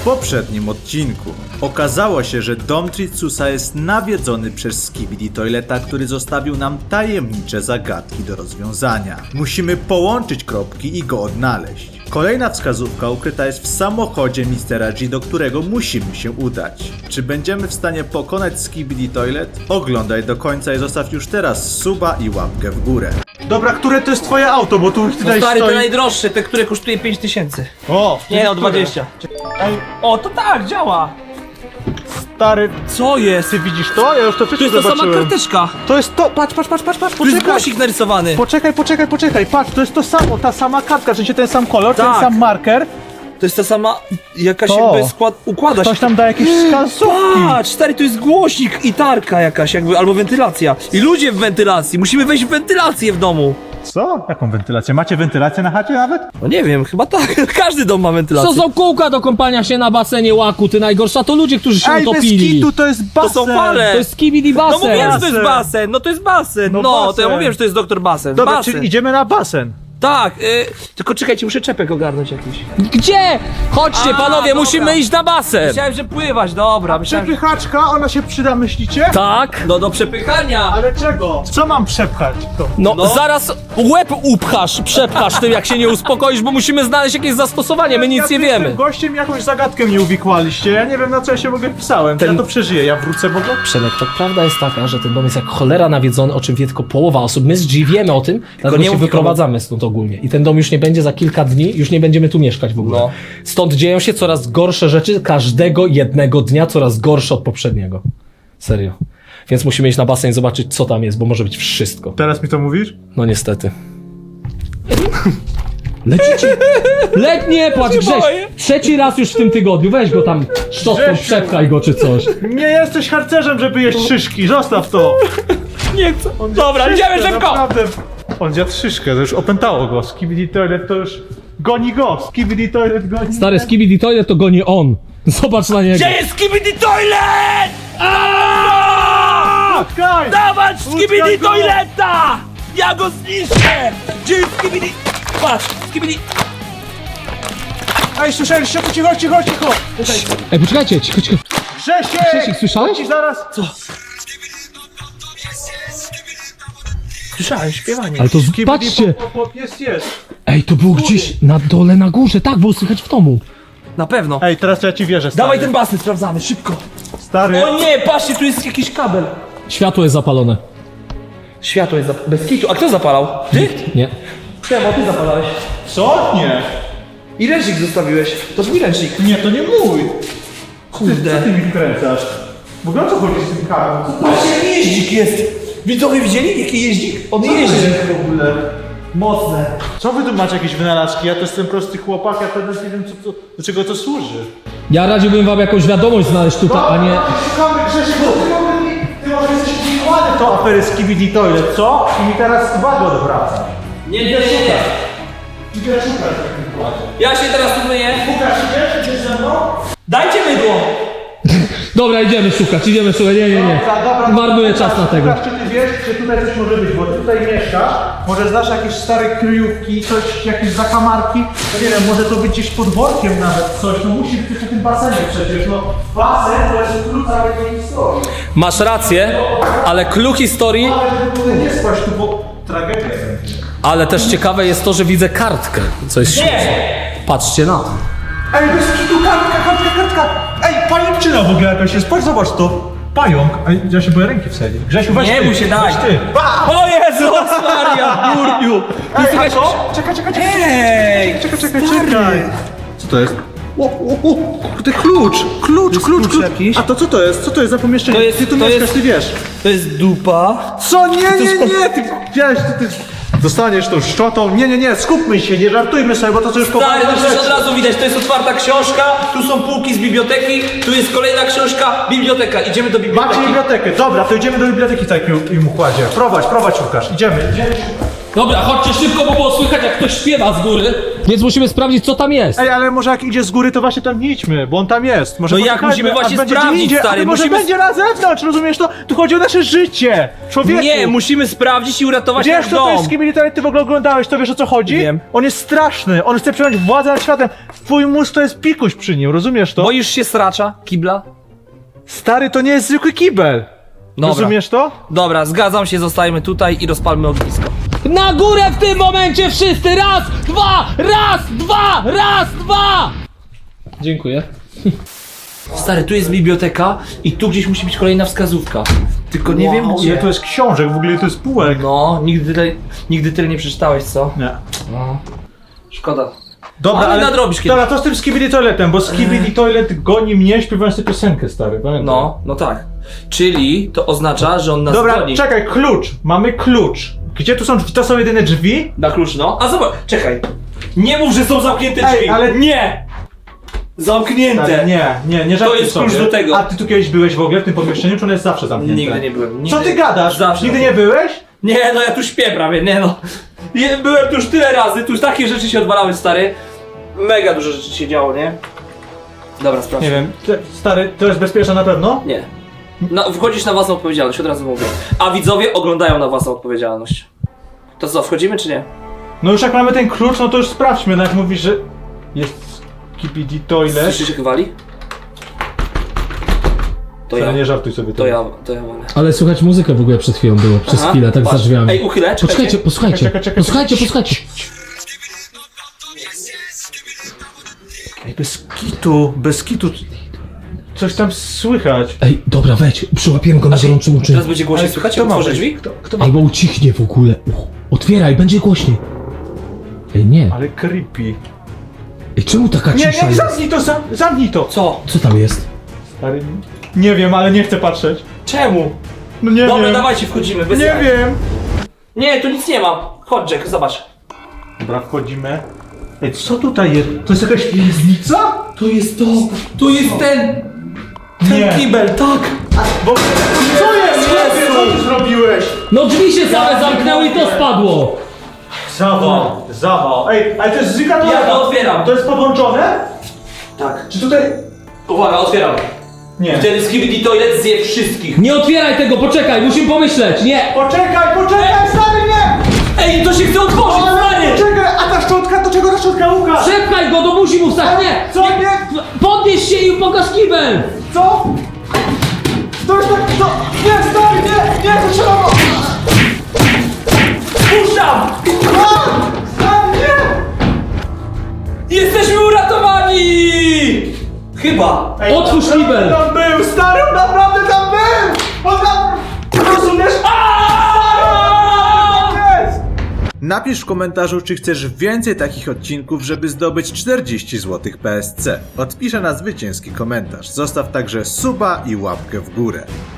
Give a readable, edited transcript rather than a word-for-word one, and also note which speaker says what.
Speaker 1: poprzednim odcinku okazało się, że dom Tritsusa jest nawiedzony przez Skibidi Toileta, który zostawił nam tajemnicze zagadki do rozwiązania. Musimy połączyć kropki i go odnaleźć. Kolejna wskazówka ukryta jest w samochodzie Mistera G, do którego musimy się udać. Czy będziemy w stanie pokonać Skibidi Toilet? Oglądaj do końca i zostaw już teraz suba i łapkę w górę.
Speaker 2: Dobra, które to jest twoje auto, bo tu
Speaker 3: No
Speaker 2: tutaj
Speaker 3: stary,
Speaker 2: stoi...
Speaker 3: te najdroższe, te, które kosztuje 5000.
Speaker 2: O!
Speaker 3: Nie, o 20.
Speaker 2: Ej,
Speaker 3: O, to tak, działa.
Speaker 2: stary,
Speaker 3: Co jest?
Speaker 2: ty widzisz to? Ja już to
Speaker 3: To
Speaker 2: wszystko
Speaker 3: jest ta sama
Speaker 2: zobaczyłem.
Speaker 3: karteczka.
Speaker 2: To jest to, patrz,
Speaker 3: Tu jest
Speaker 2: poczekaj.
Speaker 3: głosik narysowany.
Speaker 2: Poczekaj, patrz, to jest to samo, ta sama kartka, w sensie ten sam kolor, ten
Speaker 3: Tak.
Speaker 2: sam marker.
Speaker 3: To jest ta sama, jakaś
Speaker 2: To.
Speaker 3: jakby układa się.
Speaker 2: Ktoś tam da jakieś wskazówki.
Speaker 3: Patrz, stary, to jest głośnik i tarka jakaś jakby, albo wentylacja. I ludzie w wentylacji, musimy wejść w wentylację w domu.
Speaker 2: Co? Jaką wentylację? Macie wentylację na chacie nawet?
Speaker 3: No nie wiem, chyba tak, każdy dom ma wentylację.
Speaker 4: Co są kółka do kąpania się na basenie, łaku, ty najgorsza, to ludzie, którzy się
Speaker 2: Ej, bez
Speaker 4: utopili.
Speaker 2: kitu, to jest
Speaker 3: To
Speaker 2: basen.
Speaker 3: są fale.
Speaker 4: To jest skibidi
Speaker 3: No
Speaker 4: basen.
Speaker 3: mówiłem, że to jest basen, no to jest basen.
Speaker 2: No
Speaker 3: No, to
Speaker 2: basen.
Speaker 3: ja mówiłem, że to jest doktor basen.
Speaker 2: Dobra,
Speaker 3: basen.
Speaker 2: czyli idziemy na basen.
Speaker 3: Tak, tylko czekajcie, muszę czepek ogarnąć jakiś.
Speaker 4: Gdzie? Chodźcie,
Speaker 3: A,
Speaker 4: panowie,
Speaker 3: dobra.
Speaker 4: musimy iść na basen.
Speaker 3: Myślałem, że pływać, dobra, myślałem, że...
Speaker 2: Przepychaczka, ona się przyda, myślicie?
Speaker 4: Tak?
Speaker 3: No do przepychania.
Speaker 2: Ale czego? Co mam przepchać to?
Speaker 4: No,
Speaker 3: No.
Speaker 4: zaraz łeb przepchasz tym, jak się nie uspokoisz, bo musimy znaleźć jakieś zastosowanie, my nic nie
Speaker 2: Z
Speaker 4: wiemy.
Speaker 2: tym gościem jakąś zagadkę mi uwikłaliście. Ja nie wiem, na co ja się w ogóle pisałem. Ja to przeżyję, ja wrócę w ogóle.
Speaker 4: Przemek, to prawda jest taka, że ten dom jest jak cholera nawiedzony, o czym wie tylko połowa osób. My z G wiemy o tym, dlatego
Speaker 3: nie
Speaker 4: się
Speaker 3: mów
Speaker 4: wyprowadzamy stąd ogólnie. I ten dom już nie będzie za kilka dni, już nie będziemy tu mieszkać w ogóle.
Speaker 3: No.
Speaker 4: Stąd dzieją się coraz gorsze rzeczy, każdego jednego dnia coraz gorsze od poprzedniego. Serio. Więc musimy iść na basen i zobaczyć, co tam jest, bo może być wszystko.
Speaker 2: Teraz mi to mówisz?
Speaker 4: No niestety. Lecicie! Nie płacz, Grześ!
Speaker 3: boję.
Speaker 4: Trzeci raz już w tym tygodniu, weź go tam szczotką,
Speaker 2: Grzesiu.
Speaker 4: przepchaj go czy coś.
Speaker 2: Nie jesteś harcerzem, żeby jeść szyszki, zostaw to.
Speaker 3: Nie chcę.
Speaker 2: On
Speaker 3: Dobra,
Speaker 2: zjadł
Speaker 3: idziemy
Speaker 2: szyszkę,
Speaker 3: szybko.
Speaker 2: Naprawdę. On zjadł szyszkę, to już opętało go. Skibidi Toilet to już goni go. Skibidi Toilet goni.
Speaker 4: Stary Skibidi Toilet to goni on. Zobacz na niego.
Speaker 3: Gdzie jest Skibidi Toilet?
Speaker 2: Utkaj!
Speaker 3: Dawać
Speaker 2: Utkaj
Speaker 3: Skibidi
Speaker 2: go!
Speaker 3: Toileta! Ja go zniszczę! Gdzie jest Skibidi? Patrz, Skibidi...
Speaker 2: Ej, słyszeliście? To cicho. Tutaj.
Speaker 4: Ej, poczekajcie, cicho.
Speaker 2: Grzesiek!
Speaker 4: Grzesiek, słyszałeś?
Speaker 2: Ci zaraz. Co?
Speaker 3: Słyszałem śpiewanie.
Speaker 4: Ale to patrzcie.
Speaker 2: Jest.
Speaker 4: Ej, to było gdzieś na dole, na górze. Tak, było słychać w domu.
Speaker 3: Na pewno.
Speaker 2: Ej, teraz to ja ci wierzę, stary.
Speaker 3: Dawaj ten basen, sprawdzamy, szybko.
Speaker 2: Stary.
Speaker 3: O nie, patrzcie, tu jest jakiś kabel.
Speaker 4: Światło jest zapalone.
Speaker 3: Światło jest bez kitu. A kto zapalał? Ty?
Speaker 4: Nie.
Speaker 3: Czemu, ty zapalałeś.
Speaker 2: Co? Nie.
Speaker 3: I ręcznik zostawiłeś. To twój ręcznik.
Speaker 2: Nie, to nie mój.
Speaker 3: Kurde.
Speaker 2: Ty mi wkręcasz. W ogóle o co chodzi z tym karem?
Speaker 3: Patrzcie, jaki jeździk jest. Widzowie widzieli, jaki jeździk? On jeździ.
Speaker 2: w ogóle?
Speaker 3: Mocne.
Speaker 2: Co wy tu macie jakieś wynalazki? Ja to jestem prosty chłopak, ja teraz nie wiem do czego to służy.
Speaker 4: Ja radziłbym wam jakąś wiadomość znaleźć tutaj, a nie...
Speaker 2: Szukamy Grzesiek, bo ty może jesteś wykłady to afery Skibidi Toilet, co? I mi teraz uwagę odwraca.
Speaker 3: Nie idę szukać.
Speaker 2: Idę szukać w takim układzie.
Speaker 3: Ja się teraz tu myję.
Speaker 2: Łukasz, idziesz ze mną?
Speaker 3: Dajcie mydło.
Speaker 4: Dobra, idziemy szukać, nie.
Speaker 2: Dobra,
Speaker 4: Marnuję czas na tego.
Speaker 2: Łukasz, czy ty wiesz, że tutaj coś może być, bo ty tutaj mieszkasz, może znasz jakieś stare kryjówki, coś, jakieś zakamarki, no nie wiem, może to być gdzieś pod workiem nawet coś, no musi być przy tym basenie przecież, no basen to jest klucz całej tej historii.
Speaker 4: Masz rację, ale clue historii...
Speaker 2: Ale żeby tutaj nie spać tu, bo tragedia będzie.
Speaker 4: Ale też ciekawe jest to, że widzę kartkę, co jest śmieszne. Patrzcie na to.
Speaker 2: Ej, bez kitu, kartka! Ej, pajęczyna w ogóle jakaś jest, patrz, zobacz to. Pająk. Ej, ja się boję ręki wsadzić. Grzesiu, weź
Speaker 3: Nie
Speaker 2: ty.
Speaker 3: bój się, daj.
Speaker 2: Weź ty.
Speaker 3: O Jezus Maria, Jurgiu.
Speaker 2: Ej, a co? Czekaj.
Speaker 3: Ej.
Speaker 2: Czekaj. Co to jest? O, kurde, klucz.
Speaker 3: jakiś?
Speaker 2: A to co to jest? Co to jest za pomieszczenie?
Speaker 3: To jest-
Speaker 2: Ty tu
Speaker 3: to
Speaker 2: mieszkasz,
Speaker 3: jest-
Speaker 2: ty wiesz.
Speaker 3: To jest dupa.
Speaker 2: Co? Nie, ty wiesz, ty... Dostaniesz tą szczotą. Nie, skupmy się, nie żartujmy sobie, bo to co już
Speaker 3: Stary, to
Speaker 2: rzeczy.
Speaker 3: już od razu widać, to jest otwarta książka, tu są półki z biblioteki, tu jest kolejna książka, biblioteka. Idziemy do biblioteki.
Speaker 2: Macie bibliotekę, dobra, to idziemy do biblioteki w takim układzie. Prowadź Łukasz, idziemy.
Speaker 4: Dobra, chodźcie szybko, bo było słychać, jak ktoś śpiewa z góry. Więc musimy sprawdzić, co tam jest.
Speaker 2: Ej, ale może jak idzie z góry, to właśnie tam nie idźmy, bo on tam jest. Może
Speaker 3: No jak
Speaker 2: poczekajmy,
Speaker 3: musimy
Speaker 2: a
Speaker 3: właśnie
Speaker 2: będzie
Speaker 3: sprawdzić,
Speaker 2: gdzie indziej,
Speaker 3: stary,
Speaker 2: a może
Speaker 3: musimy-
Speaker 2: będzie na zewnątrz, rozumiesz to? Tu chodzi o nasze życie, człowieku.
Speaker 3: Nie, musimy sprawdzić i uratować
Speaker 2: Wiesz,
Speaker 3: nasz
Speaker 2: co to
Speaker 3: dom.
Speaker 2: jest Skibidi Toilet, ty w ogóle oglądałeś, to wiesz o co chodzi?
Speaker 3: Wiem.
Speaker 2: On jest straszny, on chce przejąć władzę nad światem. Twój mózg to jest pikuś przy nim, rozumiesz to?
Speaker 3: Boisz się sracza, kibla?
Speaker 2: Stary, to nie jest zwykły kibel.
Speaker 3: Dobra.
Speaker 2: Rozumiesz to?
Speaker 3: Dobra, zgadzam się, zostajmy tutaj i rozpalmy ognisko.
Speaker 4: Na górę w tym momencie wszyscy! Raz, dwa! Raz, dwa! Raz, dwa! Dziękuję.
Speaker 3: Stary, tu jest biblioteka i tu gdzieś musi być kolejna wskazówka. Tylko nie wiem gdzie.
Speaker 2: Ile to jest książek, w ogóle ile to jest półek.
Speaker 3: No, nigdy tyle nie przeczytałeś, co?
Speaker 2: Nie.
Speaker 3: No. Szkoda.
Speaker 2: Dobra,
Speaker 3: Ale nadrobisz kiedyś.
Speaker 2: Dobra, to z tym Skibidi Toiletem, bo Skibidi Toilet goni mnie śpiewając tę piosenkę, stary, pamiętaj.
Speaker 3: No tak. Czyli to oznacza, że on nas
Speaker 2: Dobra,
Speaker 3: goni.
Speaker 2: czekaj, klucz, mamy klucz. Gdzie tu są drzwi? To są jedyne drzwi?
Speaker 3: Na klucz, no. A zobacz, czekaj. Nie mów, że są zamknięte
Speaker 2: Ej,
Speaker 3: drzwi.
Speaker 2: ale-
Speaker 3: Nie! Zamknięte.
Speaker 2: Tak, nie żartuj
Speaker 3: jest
Speaker 2: sobie.
Speaker 3: klucz do tego.
Speaker 2: A ty tu kiedyś byłeś w ogóle w tym pomieszczeniu, czy on jest zawsze zamknięty?
Speaker 3: Nigdy nie byłem. Nigdy.
Speaker 2: Co ty gadasz?
Speaker 3: Zawsze.
Speaker 2: Nigdy nie byłeś?
Speaker 3: Nie, no ja tu śpię prawie, nie no. Byłem tu już tyle razy, tu już takie rzeczy się odwalały, stary. Mega dużo rzeczy się działo, nie? Dobra, sprawdź.
Speaker 2: Nie wiem, stary, to jest bezpieczne na pewno?
Speaker 3: Nie. No, wchodzisz na własną odpowiedzialność, od razu mówię. A widzowie oglądają na własną odpowiedzialność. To co, wchodzimy czy nie?
Speaker 2: No już jak mamy ten klucz, no to już sprawdźmy, no jak mówisz, że jest Skibidi Toilet.
Speaker 3: Słyszysz jak wali? To
Speaker 2: Stary,
Speaker 3: ja.
Speaker 2: nie żartuj sobie
Speaker 3: To ja walę.
Speaker 4: Ale słuchać muzykę w ogóle przed chwilą było, przez
Speaker 3: Aha,
Speaker 4: chwilę, tak
Speaker 3: patrz.
Speaker 4: za drzwiami.
Speaker 3: Ej, uchylę, czekajcie.
Speaker 4: Poczekajcie, posłuchajcie.
Speaker 2: Czekaj.
Speaker 4: Posłuchajcie.
Speaker 2: Ej, bez kitu. Coś tam słychać.
Speaker 4: Ej, dobra, weź, przyłapiemy go na gorącym uczynku.
Speaker 3: Teraz będzie głośniej słychać,
Speaker 2: kto
Speaker 3: jak
Speaker 2: ma
Speaker 3: otworzę
Speaker 2: być?
Speaker 3: drzwi?
Speaker 2: Kto ma...
Speaker 4: Albo ucichnie w ogóle. Otwieraj, będzie głośniej. Ej, nie.
Speaker 2: Ale creepy.
Speaker 4: Ej, czemu taka
Speaker 2: Nie,
Speaker 4: cisza jest?
Speaker 2: zamknij to, zamknij to.
Speaker 3: Co?
Speaker 4: Co tam jest?
Speaker 2: Stary, nie wiem, ale nie chcę patrzeć.
Speaker 3: Czemu?
Speaker 2: No nie
Speaker 3: Dobra,
Speaker 2: wiem.
Speaker 3: dawajcie, wchodzimy. Bez
Speaker 2: Nie
Speaker 3: jaj.
Speaker 2: wiem.
Speaker 3: Nie, tu nic nie ma. Chodź, Jack, zobacz.
Speaker 2: Dobra, wchodzimy. Ej, co tutaj jest? To jest jakaś piwnica?
Speaker 3: Tu jest to. Tu jest ten
Speaker 2: Nie.
Speaker 3: kibel, tak.
Speaker 2: Bo... Co jest?
Speaker 3: Jezu.
Speaker 2: Co ty zrobiłeś?
Speaker 4: No drzwi się same zamknęły i to spadło.
Speaker 2: Zawał. Ej, ale to jest zyga
Speaker 3: Ja to otwieram.
Speaker 2: To jest podłączone?
Speaker 3: Tak.
Speaker 2: Czy tutaj...
Speaker 3: Uwaga, otwieram.
Speaker 2: Nie.
Speaker 3: Wtedy Skibidi Toilet zje wszystkich.
Speaker 4: Nie otwieraj tego, poczekaj, musimy pomyśleć, nie.
Speaker 2: Poczekaj, stary, nie!
Speaker 3: Ej, to się chce otworzyć, stary!
Speaker 2: Poczekaj, a ta szczotka, do czego ta szczotka, Łukasz?
Speaker 4: Przepchaj go, to musi mu wstać, nie.
Speaker 2: Co? Nie?
Speaker 4: Podnieś się i pokaż kibel.
Speaker 2: Co? To jest tak, to... Nie, stary, nie, to trzeba...
Speaker 3: Puszczam!
Speaker 2: Stary, nie!
Speaker 3: Jesteśmy uratowani! Chyba.
Speaker 2: Ej,
Speaker 4: Otwórz
Speaker 2: naprawdę
Speaker 4: kibel.
Speaker 2: tam był, stary, on naprawdę tam był! On tam... Rozumiesz? Jest!
Speaker 1: Napisz w komentarzu, czy chcesz więcej takich odcinków, żeby zdobyć 40 zł PSC. Odpiszę na zwycięski komentarz. Zostaw także suba i łapkę w górę.